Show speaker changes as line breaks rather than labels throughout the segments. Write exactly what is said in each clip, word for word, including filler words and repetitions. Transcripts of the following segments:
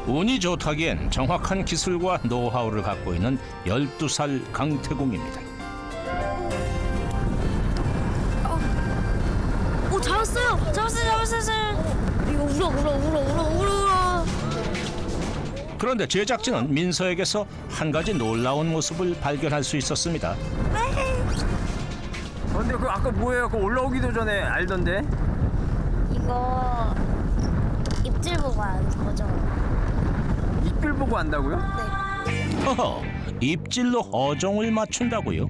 운이 좋다기엔 정확한 기술과 노하우를 갖고 있는 열두 살 강태공입니다.
오, 잡았어요! 잡았어요! 잡았어요! 이거 울어, 울어, 울어, 울어, 울어, 울어.
그런데 제작진은 민서에게서 한 가지 놀라운 모습을 발견할 수 있었습니다.
근데 그 아까 뭐예요? 그 올라오기도 전에 알던데?
이거 입질 보고 아는 거죠?
입질 보고 안다고요?
허허, 입질로 어종을 맞춘다고요?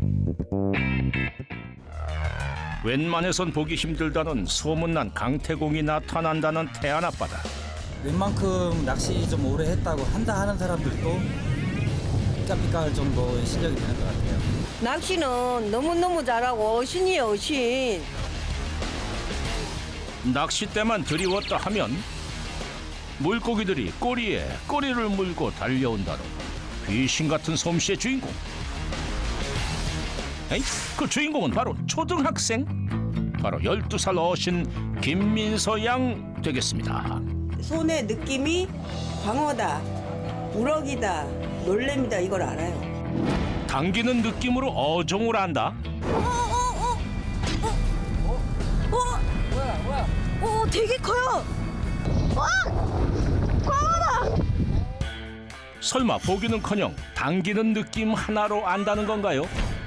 웬만해선 보기 힘들다는 소문난 강태공이 나타난다는 태안 앞바다.
웬만큼 낚시 좀 오래 했다고 한다 하는 사람들도 삐까삐까할 정도의 실력이 되는 것 같아요.
낚시는 너무너무 잘하고 어신이에요, 어신.
낚싯대만 들이웠다 하면 물고기들이 꼬리에 꼬리를 물고 달려온다는 귀신 같은 솜씨의 주인공. 에이, 그 주인공은 바로 초등학생, 바로 열두 살 어신 김민서 양 되겠습니다.
손의 느낌이 광어다, 우럭이다, 놀래미다 이걸 알아요.
당기는 느낌으로 어종을 안다.
오, 되게 커요!
설마 보기는커녕 당기는 느낌 하나로 안다는 건가요?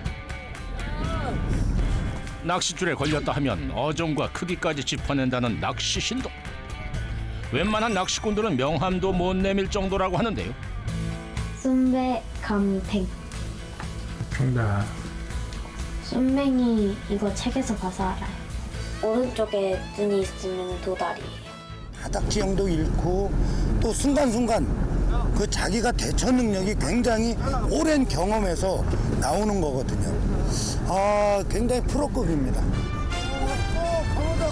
낚싯줄에 걸렸다 하면 어종과 크기까지 짚어낸다는 낚시 신동. 웬만한 낚시꾼들은 명함도 못 내밀 정도라고 하는데요.
쏨배 감탱.
정답.
쏨맹이 이거 책에서 봐서 알아요. 오른쪽에 눈이 있으면 도다리.
바닥지형도 잃고 또 순간순간 그 자기가 대처 능력이 굉장히 오랜 경험에서 나오는 거거든요. 아, 굉장히 프로급입니다. 어, 강호다.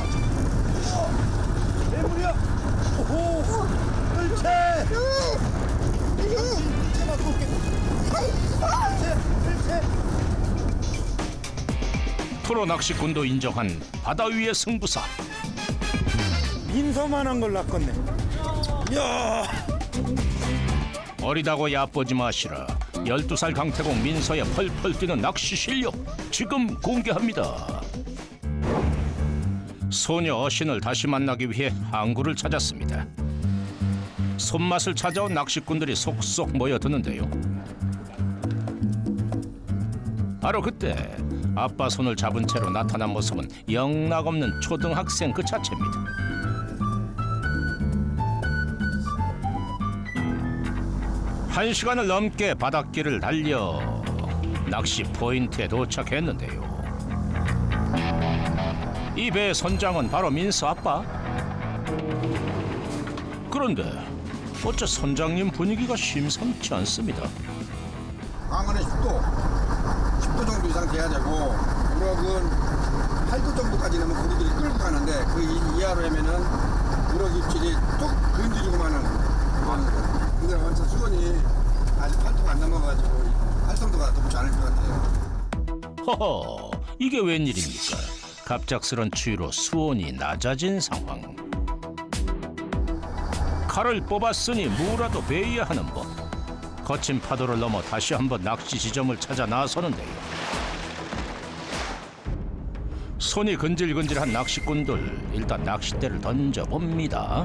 어, 대물이야. 오호, 물체. 물체 갖고 올게. 물체, 물체.
프로 낚시꾼도 인정한 바다 위의 승부사.
민서만한 걸 낚았네. 이야.
어리다고 얕보지 마시라. 열두 살 강태공 민서의 펄펄 뛰는 낚시 실력 지금 공개합니다. 소녀 어신을 다시 만나기 위해 항구를 찾았습니다. 손맛을 찾아온 낚시꾼들이 속속 모여드는데요. 바로 그때 아빠 손을 잡은 채로 나타난 모습은 영락없는 초등학생 그 자체입니다. 한 시간을 넘게 바닷길을 달려 낚시 포인트에 도착했는데요. 이 배의 선장은 바로 민서 아빠. 그런데 어째 선장님 분위기가 심상치 않습니다.
광어는 십 도, 십 도 정도 이상 돼야 되고 우럭은 팔 도 정도까지 되면 고기들이 끌고 가는데 그 이- 이하로 하면은 우럭 입질이 뚝 건드리고만은 그만거든요. 근데 완전 수온이 아직 팔 도가 안 넘어가지고 활성도가 높지 않을 것 같아요.
허허, 이게 웬일입니까? 갑작스런 추위로 수온이 낮아진 상황. 칼을 뽑았으니 무라도 베어야 하는 법. 거친 파도를 넘어 다시 한번 낚시 지점을 찾아 나서는데요. 손이 근질근질한 낚시꾼들, 일단 낚싯대를 던져봅니다.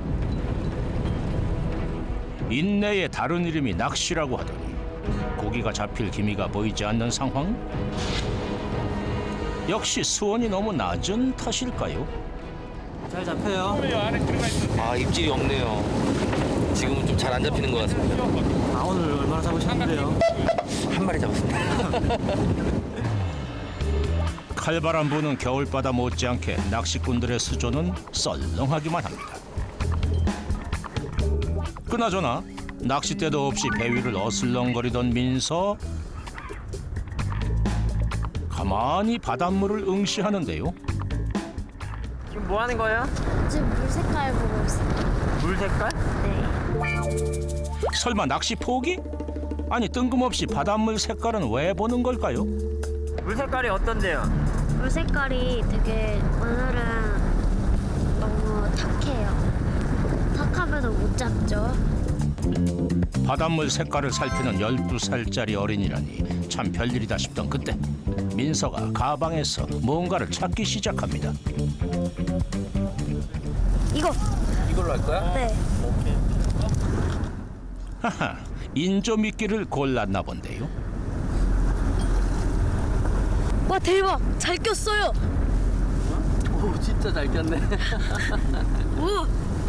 인내의 다른 이름이 낚시라고 하더니 고기가 잡힐 기미가 보이지 않는 상황? 역시 수온이 너무 낮은 탓일까요?
잘 잡혀요.
아, 입질이 없네요. 지금은 좀 잘 안 잡히는 것 같습니다.
아, 오늘 얼마나 잡으셨는데요?
한 마리 잡았습니다.
칼바람 부는 겨울바다 못지않게 낚시꾼들의 수조는 썰렁하기만 합니다. 그나저나 낚싯대도 없이 배 위를 어슬렁거리던 민서. 가만히 바닷물을 응시하는데요.
지금 뭐 하는 거예요?
지금 물 색깔 보고 있어요.
물 색깔?
네.
설마 낚시 포기? 아니 뜬금없이 바닷물 색깔은 왜 보는 걸까요?
물 색깔이 어떤데요?
물 색깔이 되게 오늘은 너무 탁해요. 탁하면 못 잡죠.
바닷물 색깔을 살피는 열두 살짜리 어린이라니 참 별일이다 싶던 그때 민서가 가방에서 뭔가를 찾기 시작합니다.
이거.
이걸로 할 거야?
네.
하하, 인조미끼를 골랐나 본데요.
와 대박. 잘 꼈어요.
오 진짜 잘 꼈네.
오.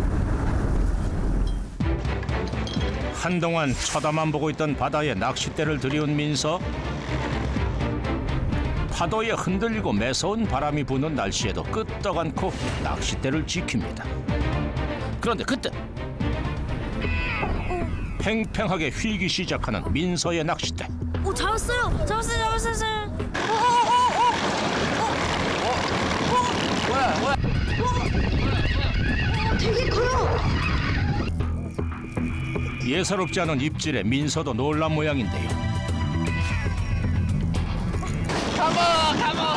한동안 쳐다만 보고 있던 바다에 낚싯대를 들이운 민서. 파도에 흔들리고 매서운 바람이 부는 날씨에도 끄떡 않고 낚싯대를 지킵니다. 그런데 그때 팽팽하게 휘기 시작하는 민서의 낚싯대.
오 잡았어요. 잡았어요. 잡았어요. 잡았어요.
뭐야 뭐야?
되게 커요.
예사롭지 않은 입질에 민서도 놀란 모양인데요.
가봐 가봐.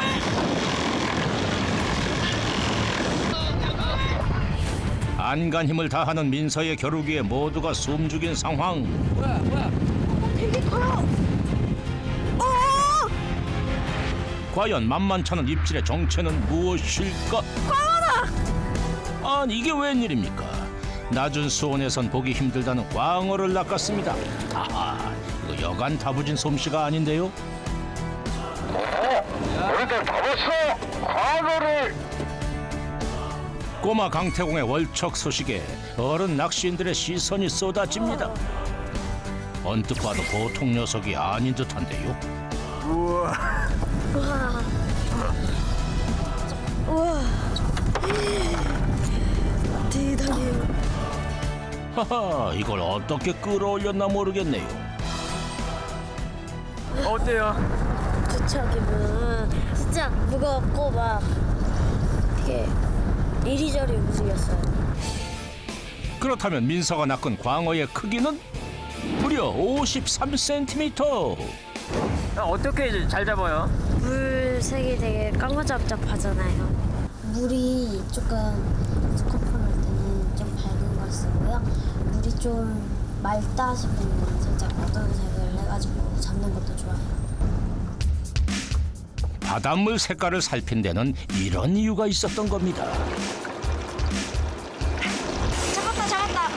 안간 힘을 다하는 민서의 겨루기에 모두가 숨죽인 상황.
뭐야 뭐야?
되게 커요.
과연 만만찮은 입질의 정체는 무엇일까? 광어다! 아니 이게 웬일입니까? 낮은 수온에선 보기 힘들다는 광어를 낚았습니다. 아하, 이거 여간 다부진 솜씨가 아닌데요?
우리들 잡았어! 광어를!
꼬마 강태공의 월척 소식에 어른 낚시인들의 시선이 쏟아집니다. 언뜻 봐도 보통 녀석이 아닌 듯한데요.
우와.
우와. 우와. 대단해요.
하하, 이걸 어떻게 끌어올렸나 모르겠네요.
어때요?
도착이면 진짜 무겁고 막 되게 이리저리 움직였어요.
그렇다면 민서가 낚은 광어의 크기는 무려 오십삼 센티미터.
야, 어떻게 이제 잘 잡아요?
물색이 되게 까무잡잡하잖아요.
물이 조금 스코프할 때는 좀 밝은 걸 쓰고요. 물이 좀 맑다 싶으면 살짝 어두운 색을 해가지고 잡는 것도 좋아요.
바닷물 색깔을 살핀 데는 이런 이유가 있었던 겁니다.
잡았다 잡았다.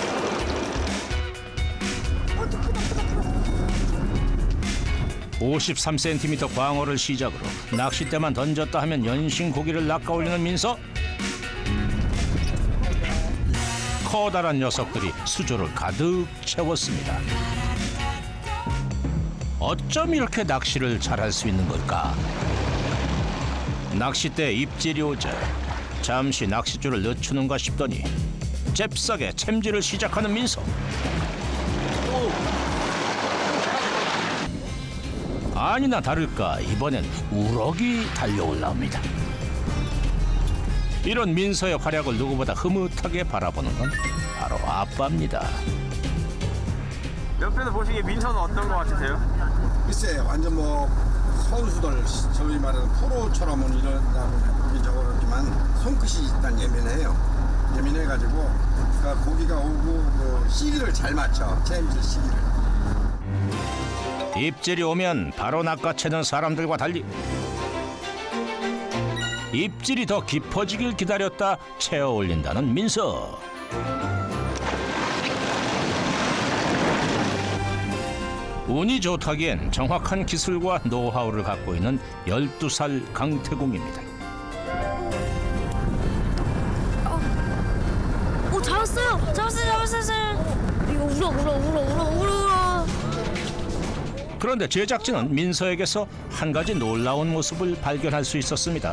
오십삼 센티미터 광어를 시작으로 낚싯대만 던졌다 하면 연신 고기를 낚아올리는 민서. 커다란 녀석들이 수조를 가득 채웠습니다. 어쩜 이렇게 낚시를 잘할 수 있는 걸까? 낚싯대에 입질이 오자 잠시 낚싯줄을 늦추는가 싶더니 잽싸게 챔질을 시작하는 민서. 아니나 다를까 이번엔 우럭이 달려올라옵니다. 이런 민서의 활약을 누구보다 흐뭇하게 바라보는 건 바로 아빠입니다.
옆에서 보시기에 민서는 어떤 거 같으세요?
글쎄 완전 뭐 선수들 저희 말하는 프로처럼은 이런다고 보긴 적어졌지만 손끝이 일단 예민해요. 예민해가지고 그러니까 고기가 오고 그 시기를 잘 맞춰. 챔질 시기를.
입질이 오면 바로 낚아채는 사람들과 달리 입질이 더 깊어지길 기다렸다 채워 올린다는 민서. 운이 좋다기엔 정확한 기술과 노하우를 갖고 있는 열두 살 강태공입니다.
오 잡았어요. 잡았어요. 잡았어요. 이거 울어 울어 울어 울어 울어 울어.
그런데 제작진은 민서에게서 한 가지 놀라운 모습을 발견할 수 있었습니다.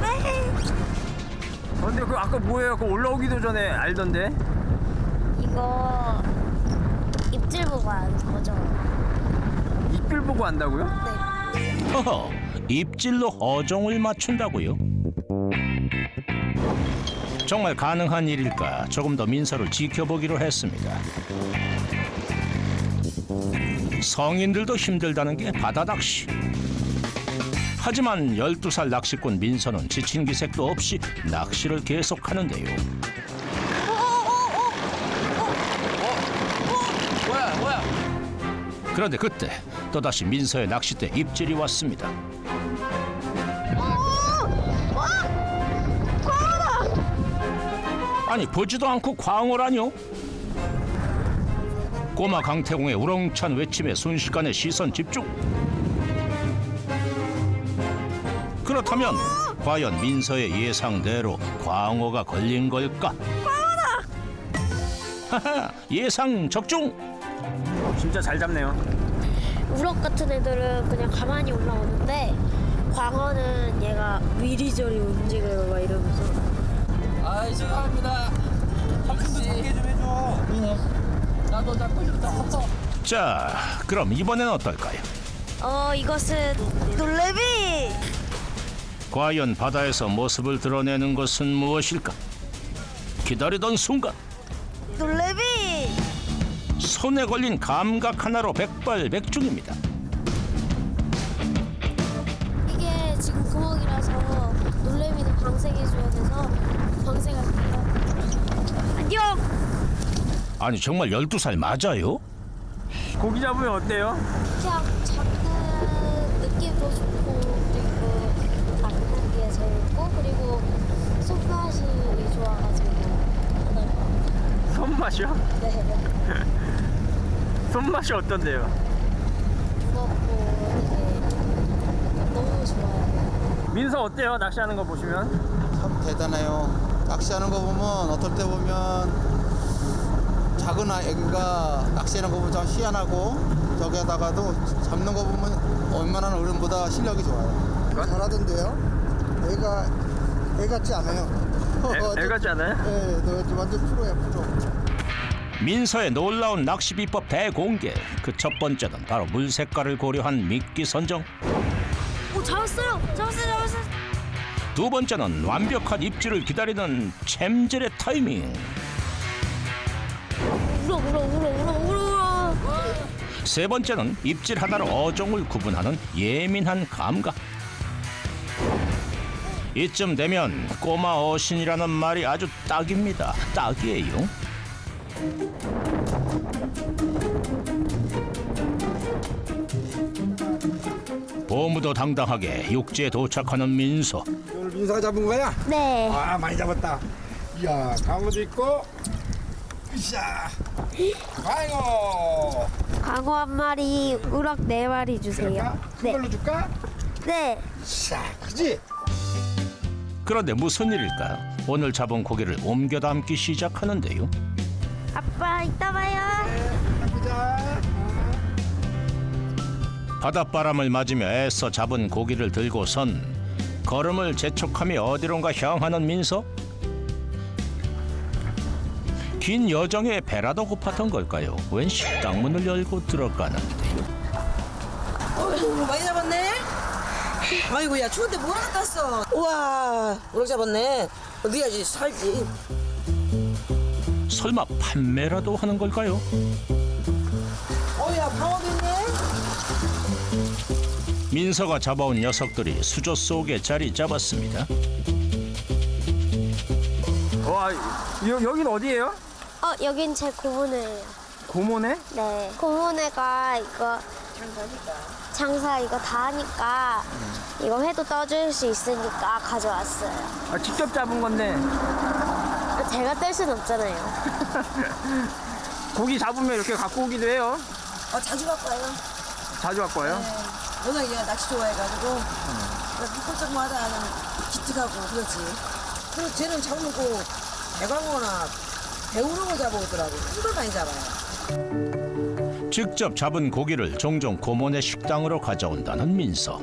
근데 그 아까 뭐예요? 그 올라오기도 전에 알던데?
이거 입질 보고 아는 거죠?
입질 보고 안다고요?
허허, 입질로 어종을 맞춘다고요? 정말 가능한 일일까 조금 더 민서를 지켜보기로 했습니다. 성인들도 힘들다는 게 바다 낚시. 하지만 열두 살 낚시꾼 민서는 지친 기색도 없이 낚시를 계속하는데요. 그런데 그때 또다시 민서의 낚싯대 입질이 왔습니다. 아니 보지도 않고 광어라뇨? 꼬마 강태공의 우렁찬 외침에 순식간에 시선 집중. 그렇다면 과연 민서의 예상대로 광어가 걸린 걸까? 하하, 예상 적중.
진짜 잘 잡네요.
우럭 같은 애들은 그냥 가만히 올라오는데 광어는 얘가 미리저리 움직여요 막 이러면서.
아, 죄송합니다. 아저씨. 잡게 좀 해줘. 나도 잡고 싶다.
자, 그럼 이번엔 어떨까요?
어 이것은 놀래미.
과연 바다에서 모습을 드러내는 것은 무엇일까? 기다리던 순간
놀래미.
손에 걸린 감각 하나로 백발백중입니다.
이게 지금 구멍이라서 놀래미는 방생해줘야 돼서 방생할게요.
안녕.
아니 정말 열두 살 맞아요?
고기 잡으면 어때요?
그냥 잡는 느낌도 좋고 그리고 잡는 게 재밌고 그리고 손맛이 좋아가지고 하는 거.
손맛이요?
네.
손맛이 어떤데요?
무겁고 되게 너무 좋아요.
민서 어때요? 낚시하는 거 보시면?
참 대단해요. 낚시하는 거 보면 어떨 때 보면 작은 아이가 낚시하는 거 보면 참 희한하고 저기에다가도 잡는 거 보면 웬만한 어른보다 실력이 좋아요. 잘하던데요? 애가 애 같지 않아요.
애, 애 같지 않아요?
네, 너 완전 프로야 프로.
민서의 놀라운 낚시 비법 대공개. 그 첫 번째는 바로 물 색깔을 고려한 미끼 선정.
오 잡았어요. 잡았어요. 잡았어요.
두 번째는 완벽한 입질을 기다리는 챔질의 타이밍.
울어 울어 울어 울어 울어 울어.
세 번째는 입질 하나로 어종을 구분하는 예민한 감각. 이쯤 되면 꼬마 어신이라는 말이 아주 딱입니다. 딱이에요. 보무도 당당하게 육지에 도착하는 민서.
오늘 민서가 잡은 거야?
네.
아 많이 잡았다. 이야 강어도 있고. 으쌰. 광어.
광어 한 마리, 우럭 네 마리 주세요.
그럴까? 큰 걸로 줄까?
네.
으쌰 크지?
그런데 무슨 일일까? 오늘 잡은 고기를 옮겨 담기 시작하는데요.
아빠 이따 봐요.
보자.
바닷바람을 맞으며 애써 잡은 고기를 들고선 걸음을 재촉하며 어디론가 향하는 민서. 긴 여정에 배라도 고팠던 걸까요? 웬 식당 문을 열고 들어가는데요.
어휴, 많이 잡았네. 아이고, 야, 추운데 뭐 하나 땄어. 우와, 우럭 잡았네. 어디야지 살지.
설마 판매라도 하는 걸까요?
어야, 방어도 있네.
민서가 잡아온 녀석들이 수조 속에 자리 잡았습니다.
와, 여, 여긴 어디예요?
어 여긴 제 고모네예요.
고모네?
네. 고모네가 이거 장사 이거 다 하니까 이거 회도 떠줄 수 있으니까 가져왔어요.
아, 직접 잡은 건데
제가 뗄 순 없잖아요.
고기 잡으면 이렇게 갖고 오기도 해요.
어, 자주 갖고 와요.
자주 갖고 와요?
워낙 얘가 낚시 좋아해가지고 미끌쩍 마다 기특하고 그렇지. 그리고 쟤는 잡아놓고 대광어나 배우렁을 잡아오더라고. 이걸 많이 잡아요.
직접 잡은 고기를 종종 고모네 식당으로 가져온다는 민서.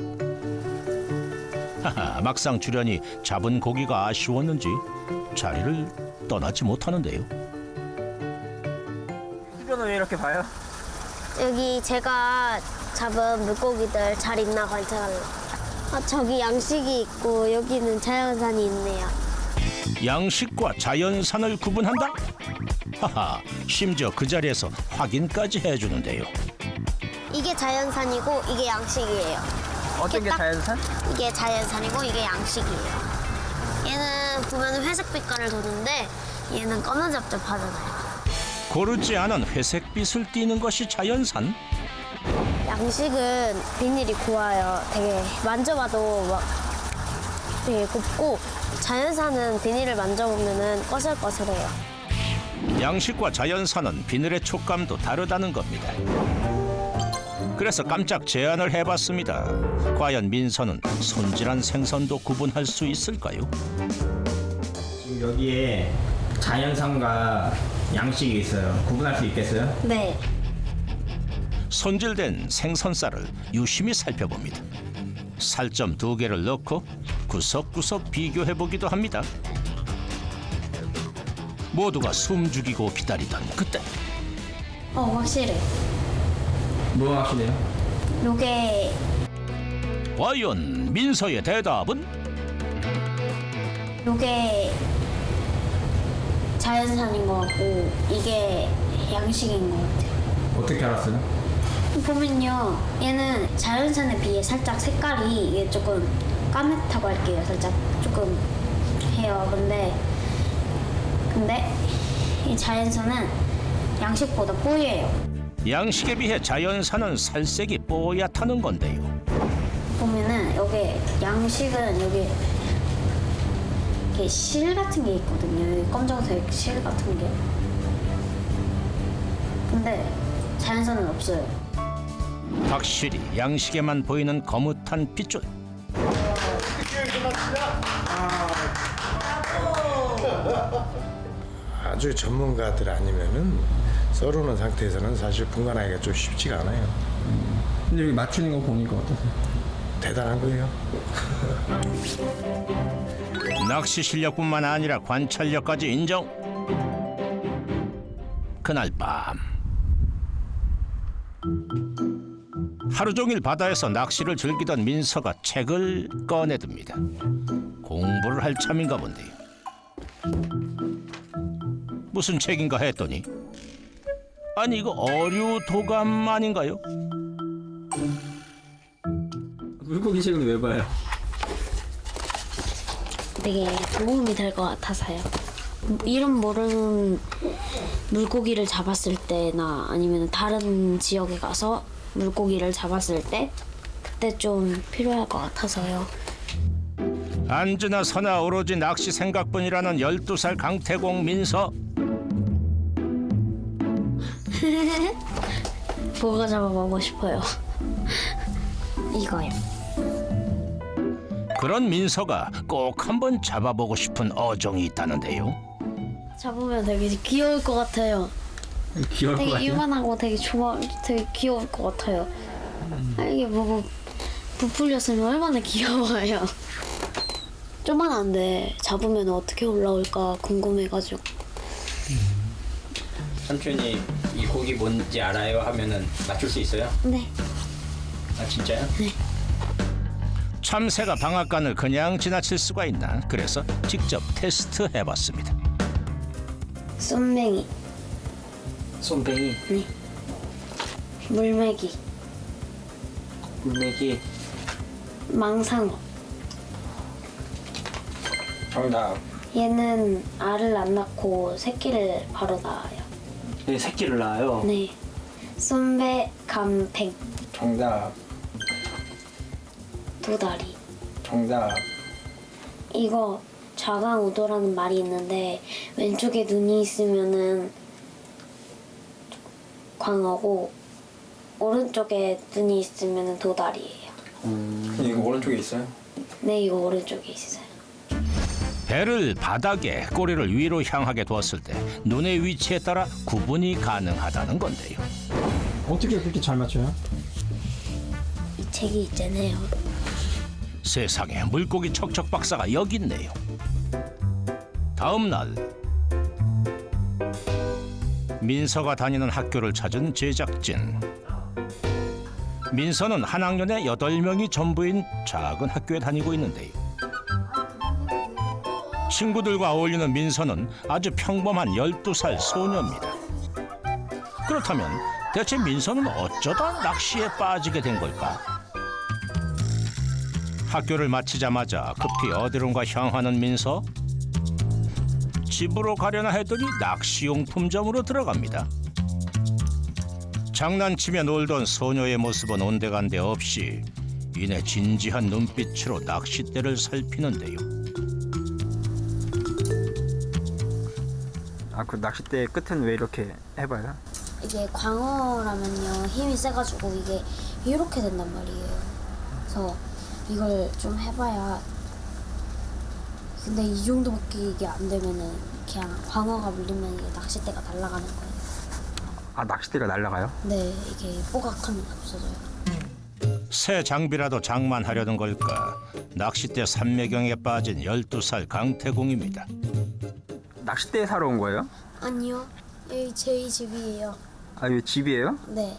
하하, 막상 출연이 잡은 고기가 아쉬웠는지 자리를 떠나지 못하는데요.
수저는 왜 이렇게 봐요?
여기 제가 잡은 물고기들 잘 있나 관찰하려. 아, 저기 양식이 있고 여기는 자연산이 있네요.
양식과 자연산을 구분한다? 하하, 심지어 그 자리에서 확인까지 해주는데요.
이게 자연산이고 이게 양식이에요.
어떤 게
딱-
자연산?
이게 자연산이고 이게 양식이에요. 얘는 보면 회색 빛깔을 도는데 얘는 검은잡잡하잖아요.
고르지 않은 회색빛을 띠는 것이 자연산?
양식은 비닐이 고와요. 되게 만져봐도 막 되게 곱고 자연산은 비닐을 만져보면은 꺼슬꺼슬해요.
양식과 자연산은 비늘의 촉감도 다르다는 겁니다. 그래서 깜짝 제안을 해봤습니다. 과연 민서는 손질한 생선도 구분할 수 있을까요?
지금 여기에 자연산과 양식이 있어요. 구분할 수 있겠어요?
네.
손질된 생선살을 유심히 살펴봅니다. 살점 두 개를 넣고 구석구석 비교해보기도 합니다. 모두가 숨죽이고 기다리던 그때
어, 확실해.
뭐 하시네요?
요게
과연 민서의 대답은?
요게 자연산인 것 같고 이게 양식인 것 같아요.
어떻게 알았어요?
보면요, 얘는 자연산에 비해 살짝 색깔이 이게 조금 까맣다고 할게요. 살짝 조금 해요. 근데 근데 이 자연산은 양식보다 뽀얘요.
양식에 비해 자연산은 살색이 뽀얗다는 건데요.
보면은 여기 양식은 여기 이렇게 실 같은 게 있거든요. 여기 검정색 실 같은 게. 근데 자연산은 없어요.
확실히 양식에만 보이는 거뭇한 핏줄.
아주 전문가들 아니면은 썰어놓은 상태에서는 사실 분간하기가 좀 쉽지가 않아요.
근데 여기 맞추는 거 보니까 어떠세요?
대단한 거예요.
낚시 실력뿐만 아니라 관찰력까지 인정. 그날 밤 하루 종일 바다에서 낚시를 즐기던 민서가 책을 꺼내듭니다. 공부를 할 참인가 본데요. 무슨 책인가 했더니 아니 이거 어류 도감 아닌가요?
물고기 책은 왜 봐요?
되게 도움이 될 것 같아서요. 이름 모르는 물고기를 잡았을 때나 아니면 다른 지역에 가서 물고기를 잡았을 때 그때 좀 필요할 것 같아서요.
앉으나 서나 오로지 낚시 생각뿐이라는 열두 살 강태공 민서.
보고 잡아보고 싶어요. 이거요.
그런 민서가 꼭 한번 잡아보고 싶은 어종이 있다는데요.
잡으면 되게 귀여울 것 같아요.
귀여울 것
되게
같아요?
유만하고 되게 좋아, 되게 귀여울 것 같아요. 아, 이게 뭐 부풀렸으면 얼마나 귀여워요. 조만한데 잡으면 어떻게 올라올까 궁금해가지고.
삼촌이 이 고기 뭔지 알아요? 하면은 맞출 수 있어요?
네.
아 진짜요?
참새가 방앗간을 그냥 지나칠 수가 있나? 그래서 직접 테스트 해봤습니다.
쏨뱅이,
쏨뱅이,
네. 물메기,
물메기,
망상어.
정답.
얘는 알을 안 낳고 새끼를 바로 낳아요.
네, 새끼를 낳아요.
네. 쏨배, 감팽,
정답.
도다리.
정답.
이거 좌강우도라는 말이 있는데 왼쪽에 눈이 있으면은 광어고 오른쪽에 눈이 있으면은 도다리예요.
음. 이거 오른쪽에 있어요?
네, 이거 오른쪽에 있어요.
배를 바닥에 꼬리를 위로 향하게 두었을 때 눈의 위치에 따라 구분이 가능하다는 건데요.
어떻게 그렇게 잘 맞춰요?
이 책이 있잖아요.
세상에 물고기 척척 박사가 여기 있네요. 다음 날 민서가 다니는 학교를 찾은 제작진. 민서는 한 학년에 여덟 명이 전부인 작은 학교에 다니고 있는데요. 친구들과 어울리는 민서는 아주 평범한 열두 살 소녀입니다. 그렇다면 대체 민서는 어쩌다 낚시에 빠지게 된 걸까? 학교를 마치자마자 급히 어디론가 향하는 민서. 집으로 가려나 했더니 낚시용품점으로 들어갑니다. 장난치며 놀던 소녀의 모습은 온데간데 없이 이내 진지한 눈빛으로 낚싯대를 살피는데요.
아, 그 낚싯대 끝은 왜 이렇게 해봐요?
이게 광어라면요 힘이 세가지고 이게 이렇게 된단 말이에요. 그래서 이걸 좀 해봐야. 근데 이 정도밖에 이게 안 되면은 그냥 광어가 물리면 이게 낚싯대가 날아가는 거예요.
아, 낚싯대가 날아가요?
네, 이게 뽀각하면 없어져요.
새 장비라도 장만하려는 걸까? 낚싯대 삼매경에 빠진 열두 살 강태공입니다.
낚싯대 사러 온 거예요?
아니요, 여기 저희 집이에요.
아, 이거 집이에요?
네.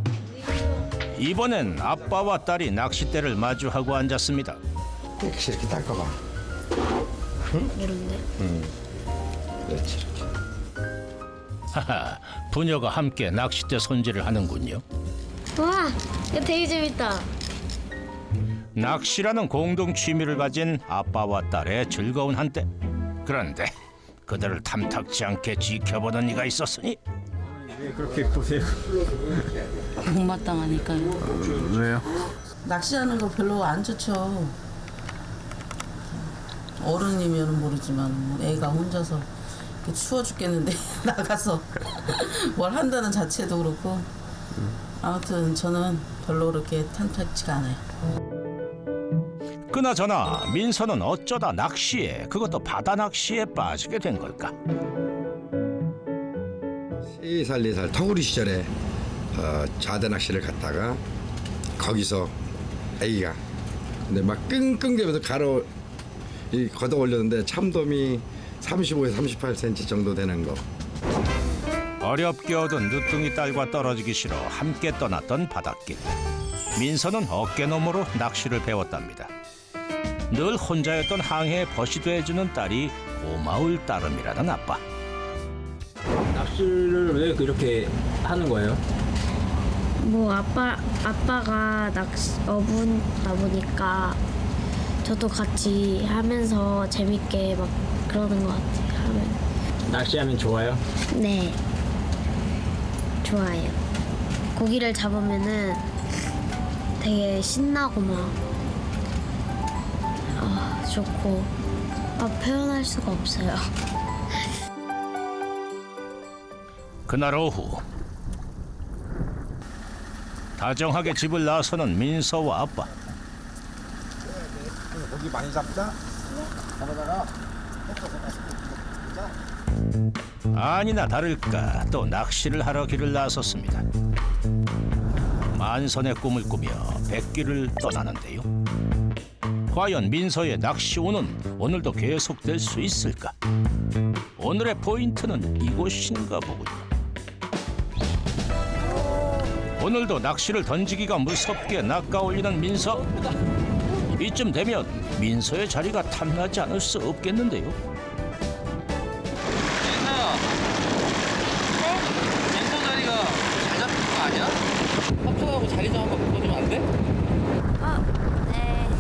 이번엔 아빠와 딸이 낚싯대를 마주하고 앉았습니다.
이렇게 이렇게 닦아봐.
모르는데.
응. 그렇지 이렇게.
하하, 부녀가 함께 낚싯대 손질을 하는군요.
와, 이거 되게 재밌다.
낚시라는 공동 취미를 가진 아빠와 딸의 즐거운 한때. 그런데 그들을 탐탁지 않게 지켜보는 이가 있었으니
왜 그렇게 보세요?
못마땅하니까요.
어, 왜요?
낚시하는 거 별로 안 좋죠. 어른이면 모르지만 애가 혼자서 이렇게 추워 죽겠는데 나가서 뭘 한다는 자체도 그렇고 아무튼 저는 별로 그렇게 탐탁지가 않아요.
그나저나 민서는 어쩌다 낚시에, 그것도 바다 낚시에 빠지게 된 걸까?
세 살, 네 살 터구리 시절에 어, 자대 낚시를 갔다가 거기서 아기가 근데 막 끙끙대면서 가로 이 걷어 올렸는데 참돔이 삼십오에서 삼십팔 센티미터 정도 되는 거.
어렵게 얻은 늦둥이 딸과 떨어지기 싫어 함께 떠났던 바닷길. 민서는 어깨너머로 낚시를 배웠답니다. 늘 혼자였던 항해에 벗이 돼주는 딸이 고마울 따름이라는 아빠.
낚시를 왜 그렇게 하는 거예요?
뭐 아빠 아빠가 낚시 어부다 보니까 저도 같이 하면서 재밌게 막 그러는 것 같아요. 하면.
낚시하면 좋아요?
네, 좋아요. 고기를 잡으면은 되게 신나고 막 아, 좋고 아, 표현할 수가 없어요.
그날 오후 다정하게 집을 나서는 민서와 아빠.
고기 많이 잡자. 잡아다가.
아니나 다를까 또 낚시를 하러 길을 나섰습니다. 만선의 꿈을 꾸며 백길을 떠나는데요. 과연 민서의 낚시운은 오늘도 계속될 수 있을까? 오늘의 포인트는 이곳인가 보군요. 오늘도 낚시를 던지기가 무섭게 낚아올리는 민서. 이쯤 되면 민서의 자리가 탐나지 않을 수 없겠는데요.
민서야. 네? 민서 자리가 잘 잡힌 거 아니야? 합쳐하고 자리 좀 한번 바꿔주면 안 돼?
아, 네.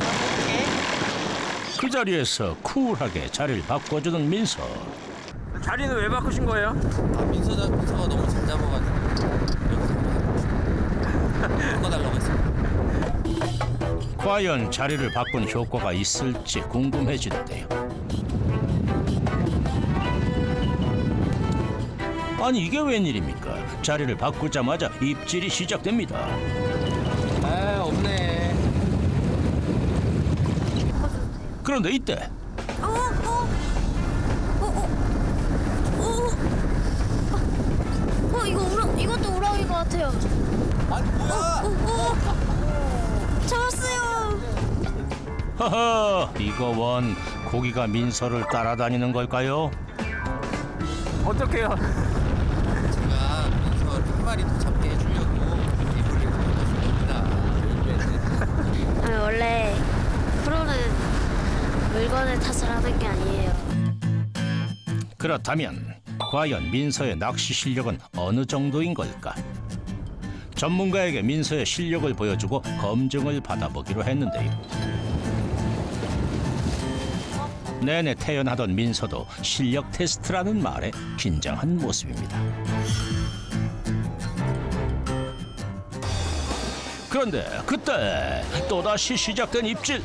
그 자리에서 쿨하게 자리를 바꿔주는 민서.
자리는 왜 바꾸신 거예요?
아, 민서 자, 민서가 너무 잘 잡아가지고 여기서 바꿔달라고 했어.
과연 자리를 바꾼 효과가 있을지 궁금해지는데요. 아니 이게 웬일입니까? 자리를 바꾸자마자 입질이 시작됩니다.
아, 없네.
그런데 이때
어, 어, 어, 어, 어, 어, 이거 우라, 이것도 우라인 것 같아요.
아니 뭐야?
어, 어, 어. 잡았어요.
허허, 이거 원 고기가 민서를 따라다니는 걸까요?
어떡해요?
제가 민서 한 마리 더 잡게 해주려고 이불을 걷어줬습니다.
아, 원래 프로는 물건을 탓을 하는 게 아니에요.
그렇다면 과연 민서의 낚시 실력은 어느 정도인 걸까? 전문가에게 민서의 실력을 보여주고 검증을 받아보기로 했는데요. 내내 태연하던 민서도 실력 테스트라는 말에 긴장한 모습입니다. 그런데 그때 또다시 시작된 입질.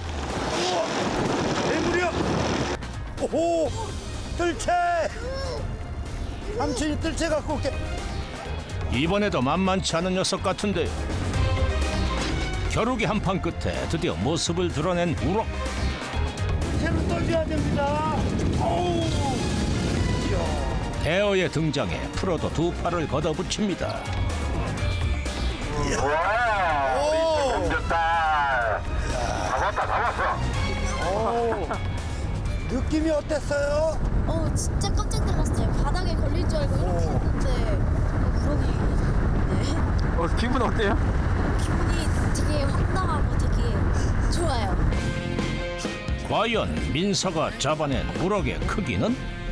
대물이야. 오호, 뜰채. 삼촌이 뜰채 갖고 올게.
이번에도 만만치 않은 녀석 같은데요. 겨루기 한판 끝에 드디어 모습을 드러낸 우럭.
채로 떠줘야 됩니다. 어우.
대어의 등장에 프로도 두 팔을 걷어붙입니다.
느낌이 어땠어요?
어 진짜 깜짝 놀랐어요. 바닥에 걸릴 줄 알고 이렇게 했는데 우럭이 네.
어, 기분 어때요?
기분이 되게 황당하고 되게 좋아요.
과연 민서가 잡아낸 우럭의 크기는?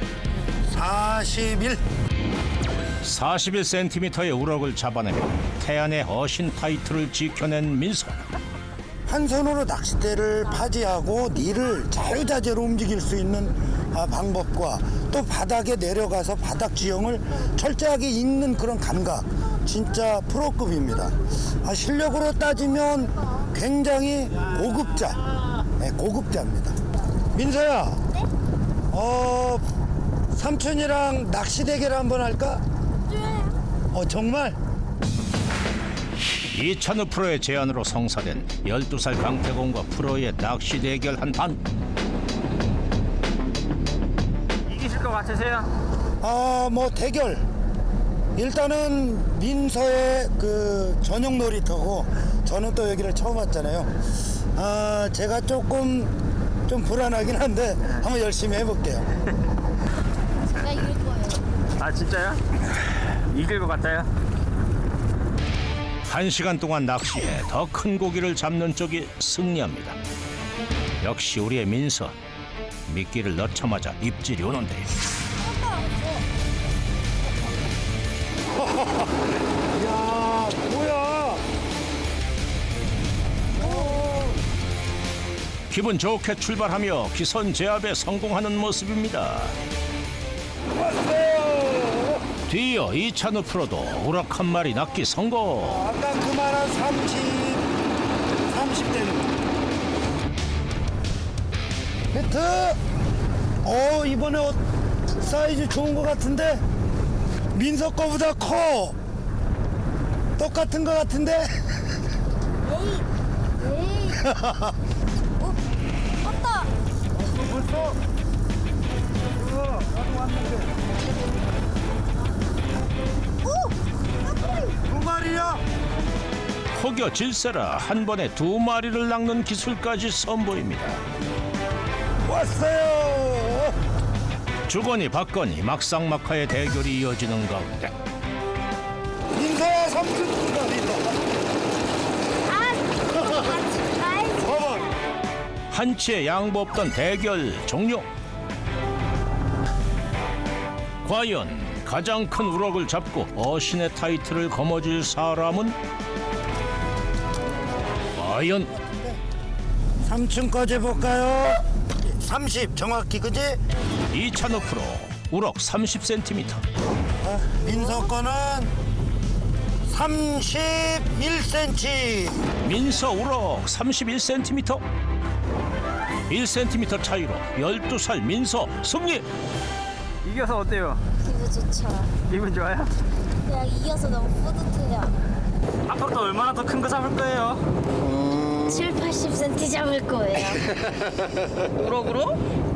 사십일.
사십일 센티미터의 우럭을 잡아내며 태안의 어신 타이틀을 지켜낸 민서.
한 손으로 낚싯대를 파지하고 닐을 자유자재로 움직일 수 있는 아, 방법과 또 바닥에 내려가서 바닥 지형을 철저하게 읽는 그런 감각, 진짜 프로급입니다. 아, 실력으로 따지면 굉장히 고급자, 네, 고급자입니다. 민서야, 어, 삼촌이랑 낚시 대결 한번 할까? 어, 정말?
이찬우 프로의 제안으로 성사된 열두 살 강태공과 프로의 낚시 대결 한판.
이기실 것 같으세요?
아, 뭐 대결. 일단은 민서의 그 전용 놀이터고 저는 또 여기를 처음 왔잖아요. 아, 제가 조금 좀 불안하긴 한데 한번 열심히 해볼게요.
제가 이길 거예요.
아, 진짜요? 이길 것 같아요?
한 시간 동안 낚시해 더 큰 고기를 잡는 쪽이 승리합니다. 역시 우리의 민서. 미끼를 넣자마자 입질이 오는데.
야, 뭐야?
기분 좋게 출발하며 기선 제압에 성공하는 모습입니다.
왔어요.
뒤이어 이찬우 프로도 우럭 한 마리 낚기 성공.
아까 그만한 삼십, 삼십 대는. 히트. 어, 이번에 어, 사이즈 좋은 것 같은데 민서 거보다 커. 똑같은 것 같은데.
에이, 에이. 어, 왔다.
벌써? 어, 나도 왔는데. 두 마리야?
혹여 질세라 한 번에 두 마리를 낚는 기술까지 선보입니다.
왔어요.
주거니 받거니 막상막하의 대결이 이어지는 가운데
민서야 삼촌 두 마리다.
아, 같이 가야지.
봐봐.
한치의 양보 없던 대결 종료. 과연 가장 큰 우럭을 잡고 어신의 타이틀을 거머쥘 사람은? 과연
삼촌 거 재볼까요? 삼십 정확히 그지?
이찬우 프로 우럭 삼십 센티미터.
아, 민서 거는 삼십일 센티미터.
민서 우럭 삼십일 센티미터. 일 센티미터 차이로 열두 살 민서 승리.
이겨서 어때요?
기분 좋죠.
기분 좋아요?
그냥 이겨서 너무 뿌듯해요.
앞으로 얼마나 더 큰 거 잡을 거예요?
칠, 팔십 센티미터 잡을 거예요.
우럭으로?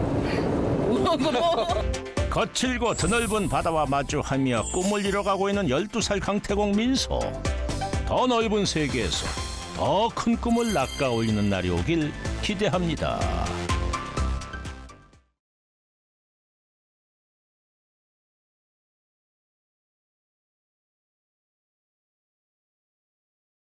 우럭으로?
거칠고 드넓은 바다와 마주하며 꿈을 이뤄가고 있는 열두 살 강태공 민서. 더 넓은 세계에서 더 큰 꿈을 낚아 올리는 날이 오길 기대합니다.